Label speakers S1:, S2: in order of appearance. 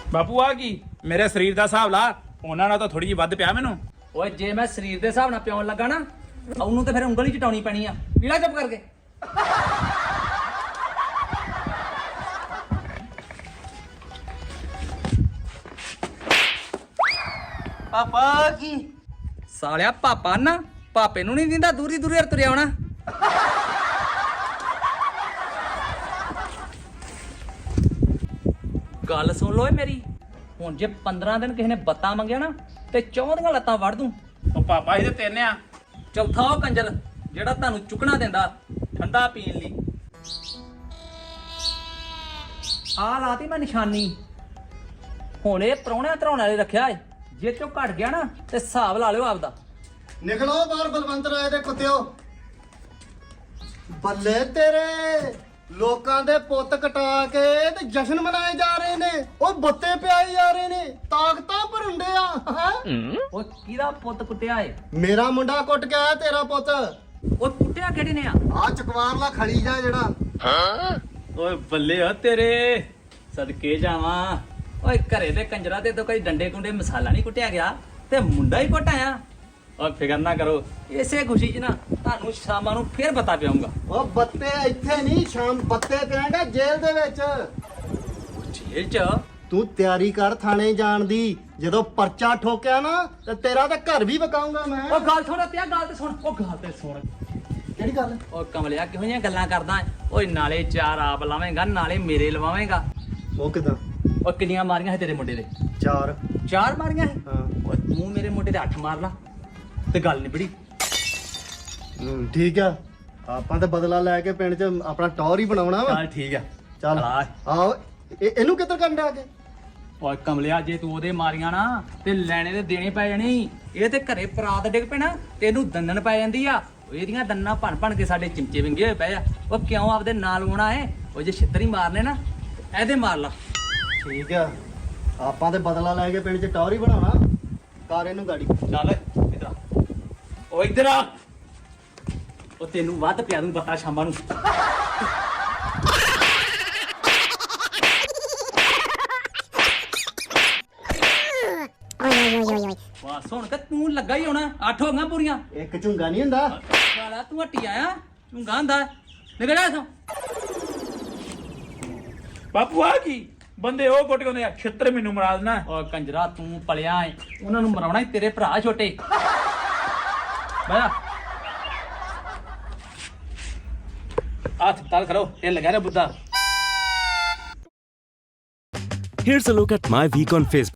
S1: ਬਾਪੂ ਆ ਕੀ ਮੇਰੇ ਸਰੀਰ ਦਾ ਹਿਸਾਬ ਲਾ, ਉਹਨਾਂ ਨਾਲ ਤਾਂ ਥੋੜੀ ਜਿਹੀ ਵੱਧ ਪਿਆ ਮੈਨੂੰ।
S2: ਓਏ ਜੇ ਮੈਂ ਸਰੀਰ ਦੇ ਹਿਸਾਬ ਨਾਲ ਪਿਉਣ ਲੱਗਾ ਨਾ, ਉਹਨੂੰ ਤੇ ਫਿਰ ਉਂਗਲੀ ਚਟਾਉਣੀ ਪੈਣੀ ਆ। ਲੀੜਾ ਚੁੱਪ ਕਰਕੇ।
S3: ਪਾਪਾ ਕੀ
S2: ਸਾਲਿਆ ਪਾਪਾ ਨਾ ਪਾਪੇ ਨੂੰ ਨਹੀਂ ਦਿੰਦਾ, ਦੂਰੀ ਦੂਰੀ ਤੁਰਿਆ ਆਉਣਾ। ਗੱਲ ਸੁਣ ਲੋ ਏ ਮੇਰੀ, ਹੁਣ ਜੇ 15 ਦਿਨ ਕਿਸੇ ਨੇ ਬੱਤਾਂ ਮੰਗਿਆ ਨਾ ਤੇ 14 ਲੱਤਾਂ ਵੜ ਦੂੰ।
S1: ਉਹ ਪਾਪਾ ਇਹਦੇ ਤਿੰਨ ਆ।
S2: ਚੌਥਾ ਉਹ ਕੰਜਰ ਜਿਹੜਾ ਤੁਹਾਨੂੰ ਚੁੱਕਣਾ ਦਿੰਦਾ ਠੰਡਾ ਪੀਣ ਲਈ। ਆ ਲਾਤੀ ਮੈਂ ਨਿਸ਼ਾਨੀ। ਹੁਣ ਇਹ ਪ੍ਰਾਹੁਣਿਆਂ ਧਰਾਉਣ ਵਾਲੇ ਰੱਖਿਆ ਏ, ਜੇ ਚੋਂ ਘਟ ਗਿਆ ਨਾ ਤੇ ਹਿਸਾਬ ਲਾ ਲਿਓ ਆਪਦਾ।
S3: ਨਿਕਲੋ ਬਾਹਰ ਬਲਵੰਤ ਰਾਏ ਦੇ ਕੁੱਤਿਓ। ਬੱਲੇ ਤੇਰੇ, ਲੋਕਾਂ ਦੇ ਪੁੱਤ ਕਟਾ ਕੇ ਤੇ ਜਸ਼ਨ ਮਨਾਏ ਜਾ ਰਹੇ ਨੇ, ਉਹ ਬੱਤੇ ਪਿਆਏ ਜਾ ਰਹੇ ਨੇ, ਤਾਕਤਾਂ ਭਰੁੰਡੇ ਆ ਹੈਂ?
S2: ਓਏ ਕਿਹਦਾ ਪੁੱਤ ਕੁੱਟਿਆ ਏ?
S3: ਮੇਰਾ ਮੁੰਡਾ ਕੁੱਟ ਕੇ ਆਇਆ ਤੇਰਾ ਪੁੱਤ।
S2: ਓਏ ਕੁੱਟਿਆ ਕਿਹੜੇ ਨੇ ਆ?
S3: ਆ ਚਕਵਾਰਲਾ ਖੜੀ ਜਾ ਜਿਹੜਾ।
S2: ਓਏ ਬੱਲੇ ਆ ਤੇਰੇ, ਸਦਕੇ ਜਾਵਾਂ। ਓਏ ਘਰੇ ਦੇ ਕੰਜਰਾ ਤੇ ਤਾਂ ਕੋਈ ਡੰਡੇ ਕੁੰਡੇ ਮਸਾਲਾ ਨਹੀਂ ਕੁੱਟਿਆ ਗਿਆ ਤੇ ਮੁੰਡਾ ਹੀ ਕੁੱਟ ਆਇਆ। ਓਏ ਫਿਕਰ ਨਾ ਕਰੋ, ਇਸੇ ਖੁਸ਼ੀ 'ਚ ਨਾ ਤੁਹਾਨੂੰ ਸ਼ਾਮਾਂ ਨੂੰ ਫੇਰ ਬਤਾ ਪਿਆਉਂਗਾ।
S3: ਉਹ ਬੱਤੇ ਇੱਥੇ ਨਹੀਂ, ਸ਼ਾਮ ਬੱਤੇ ਪਿਆਂਗਾ ਜੇਲ੍ਹ ਦੇ ਵਿੱਚ।
S2: ਜੇਲ੍ਹ 'ਚ?
S3: ਤੂੰ ਤਿਆਰੀ ਕਰ ਥਾਣੇ ਜਾਣ ਦੀ, ਜਦੋਂ ਪਰਚਾ ਠੋਕਿਆ ਨਾ ਤੇ ਤੇਰਾ ਤਾਂ ਘਰ ਵੀ ਵਕਾਉਂਗਾ ਮੈਂ।
S2: ਓ ਗੱਲ ਸੁਣ ਪਿਆ, ਗੱਲ ਤੇ ਸੁਣ। ਓ ਗੱਲ ਤੇ ਸੁਣ।
S3: ਕਿਹੜੀ ਗੱਲ?
S2: ਓ ਕਮਲਿਆ ਕਿਹੋ ਜਿਹੀਆਂ ਗੱਲਾਂ ਕਰਦਾ? ਓਏ ਨਾਲੇ ਚਾਰ ਆਪ ਲਾਵੇਂਗਾ ਨਾਲੇ ਮੇਰੇ ਲਵਾਵੇਂਗਾ।
S3: ਉਹ ਕਿਦਾਂ?
S2: ਓ ਕਿੰਨੀਆਂ ਮਾਰੀਆਂ ਸੀ ਤੇਰੇ ਮੁੰਡੇ ਦੇ?
S3: 4।
S2: ਚਾਰ ਮਾਰੀਆਂ ਸੀ?
S3: ਹਾਂ।
S2: ਓਏ ਤੂੰ ਮੇਰੇ ਮੁੰਡੇ ਦੇ 8 ਮਾਰ ਲਾ ਤੇ ਗੱਲ ਨਿਬੜੀ।
S3: ਠੀਕ ਆ, ਆਪਾਂ ਤਾਂ ਬਦਲਾ ਲੈ ਕੇ ਪਿੰਡ 'ਚ ਆਪਣਾ ਟੌਰ ਹੀ ਬਣਾਉਣਾ ਵਾ।
S2: ਚੱਲ ਠੀਕ ਆ,
S3: ਚੱਲ
S2: ਆ।
S3: ਆਓ ਇਹਨੂੰ ਕਿੱਧਰ ਕਰਨ ਆ ਕੇ?
S2: ਓਏ ਕਮਲਿਆ ਜੇ ਤੂੰ ਉਹਦੇ ਮਾਰੀਆਂ ਨਾ ਤੇ ਲੈਣੇ ਤੇ ਦੇਣੇ ਪੈ ਜਾਣੀ। ਇਹ ਤੇ ਘਰੇ ਪਰਾਤ ਡਿੱਗ ਪੈਣਾ ਤੇ ਇਹਨੂੰ ਦੰਨਣ ਪੈ ਜਾਂਦੀ ਆ। ਇਹਦੀਆਂ ਦੰਨਾਂ ਭੰਨ ਭੰਨ ਕੇ ਸਾਡੇ ਚਿਮਚੇ ਵਿੰਗੇ ਹੋਏ ਪਏ ਆ। ਉਹ ਕਿਉਂ ਆਪਦੇ ਨਾਲ ਆਉਣਾ ਏ? ਉਹ ਜੇ ਛਿੱਤਰ ਹੀ ਮਾਰਨੇ ਨਾ ਇਹਦੇ ਮਾਰ ਲਾ।
S3: ਠੀਕ ਆ, ਆਪਾਂ ਤੇ ਬਦਲਾ ਲੈ ਕੇ ਪਿੰਡ 'ਚ ਟੌਰ ਹੀ ਬਣਾਉਣਾ। ਕਰ ਇਹਨੂੰ ਗਾੜੀ।
S2: ਚੱਲ ਇੱਧਰ ਆ। ਓ ਇੱਧਰ ਆ। ਉਹ ਤੈਨੂੰ ਵੱਧ ਪਿਆ ਦੂੰ ਪਤਾ ਸ਼ਾਮਾਂ ਨੂੰ। ਵਾਹ ਸੁਣ ਕੇ ਤੂੰ ਲੱਗਾ ਹੀ ਹੋਣਾ। 8 ਹੋ ਗਈਆਂ ਪੂਰੀਆਂ।
S3: ਇੱਕ ਝੁੰਗਾ ਨਹੀਂ ਹੁੰਦਾ।
S2: ਸਾਲਾ ਤੂੰ ਹੱਟੀ ਆਇਆ, ਝੁੰਗਾ ਹੁੰਦਾ। ਨਿਕਲ ਜਾ ਇੱਥੋਂ।
S1: ਬਾਪੂ ਆ ਕੀ ਬੰਦੇ ਉਹ ਕੁੱਟ ਕੇ ਆਉਂਦੇ ਆ, ਛਿੱਤਰ ਮੈਨੂੰ ਮਰਾ ਦੇਣਾ।
S2: ਓ ਕੰਜਰਾ ਤੂੰ ਪਲਿਆ ਏ, ਉਹਨਾਂ ਨੂੰ ਮਰਾਉਣਾ ਹੀ ਤੇਰੇ ਭਰਾ ਛੋਟੇ। ਬੈ ਹੱਥ ਤਾਲ ਕਰੋ, ਇਹ ਲਗਾ ਰਿਹਾ Buddha.
S4: Here's a look at my week on Facebook.